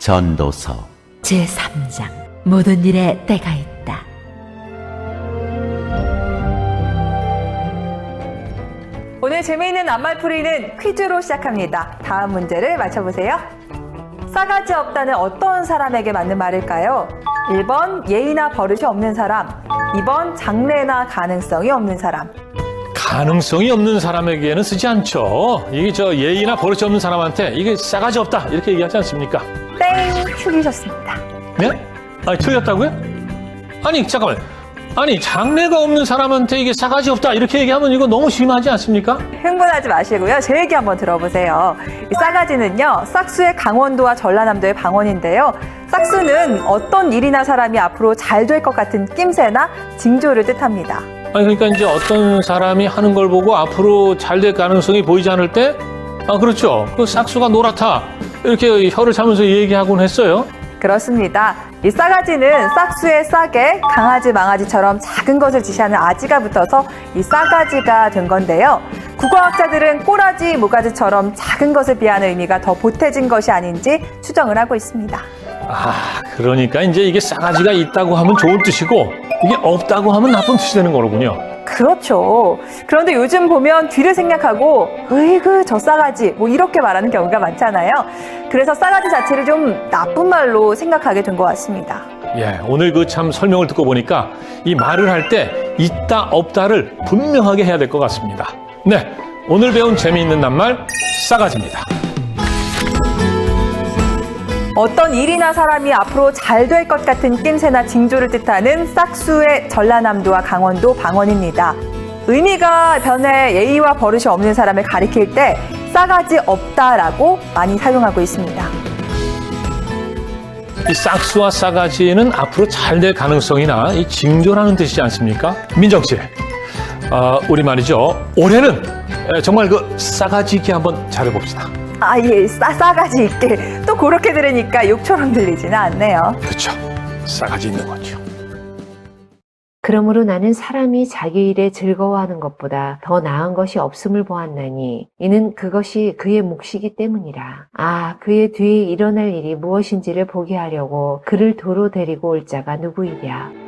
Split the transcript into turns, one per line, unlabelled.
전도서
제3장 모든 일에 때가 있다.
오늘 재미있는 낱말풀이는 퀴즈로 시작합니다. 다음 문제를 맞춰보세요. 싸가지 없다는 어떤 사람에게 맞는 말일까요? 1번 예의나 버릇이 없는 사람, 2번 장래나 가능성이 없는 사람.
가능성이 없는 사람에게는 쓰지 않죠. 이게 예의나 버릇이 없는 사람한테 이게 싸가지 없다 이렇게 얘기하지 않습니까?
땡! 틀리셨습니다.
네? 아니 틀렸다고요? 아니 잠깐만. 아니 장래가 없는 사람한테 이게 싸가지 없다 이렇게 얘기하면 이거 너무 심하지 않습니까?
흥분하지 마시고요. 제 얘기 한번 들어보세요. 이 싸가지는요, 싹수의 강원도와 전라남도의 방언인데요. 싹수는 어떤 일이나 사람이 앞으로 잘 될 것 같은 낌새나 징조를 뜻합니다.
아니 그러니까 이제 어떤 사람이 하는 걸 보고 앞으로 잘 될 가능성이 보이지 않을 때, 그렇죠. 그 싹수가 노랗다 이렇게 혀를 차면서 얘기하곤 했어요.
그렇습니다. 이 싸가지는 싹수의 싹에 강아지, 망아지처럼 작은 것을 지시하는 아지가 붙어서 이 싸가지가 된 건데요. 국어학자들은 꼬라지, 모가지처럼 작은 것을 비하는 의미가 더 보태진 것이 아닌지 추정을 하고 있습니다.
그러니까 이제 이게 싸가지가 있다고 하면 좋은 뜻이고 이게 없다고 하면 나쁜 뜻이 되는 거로군요.
그렇죠. 그런데 요즘 보면 뒤를 생략하고 으이그 저 싸가지 뭐 이렇게 말하는 경우가 많잖아요. 그래서 싸가지 자체를 좀 나쁜 말로 생각하게 된 것 같습니다.
예, 오늘 그 참 설명을 듣고 보니까 이 말을 할 때 있다 없다를 분명하게 해야 될 것 같습니다. 네, 오늘 배운 재미있는 낱말 싸가지입니다.
어떤 일이나 사람이 앞으로 잘 될 것 같은 낌새나 징조를 뜻하는 싹수의 전라남도와 강원도 방언입니다. 의미가 변해 예의와 버릇이 없는 사람을 가리킬 때 싸가지 없다라고 많이 사용하고 있습니다.
이 싹수와 싸가지는 앞으로 잘 될 가능성이나 이 징조라는 뜻이지 않습니까? 민정 씨, 우리 말이죠. 올해는 정말 그 싸가지 있게 한번 잘해봅시다.
예, 싸가지 있게. 또 그렇게 들으니까 욕처럼 들리지는 않네요.
그렇죠. 싸가지 있는 거죠.
그러므로 나는 사람이 자기 일에 즐거워하는 것보다 더 나은 것이 없음을 보았나니 이는 그것이 그의 몫이기 때문이라. 그의 뒤에 일어날 일이 무엇인지를 보게 하려고 그를 도로 데리고 올 자가 누구이랴.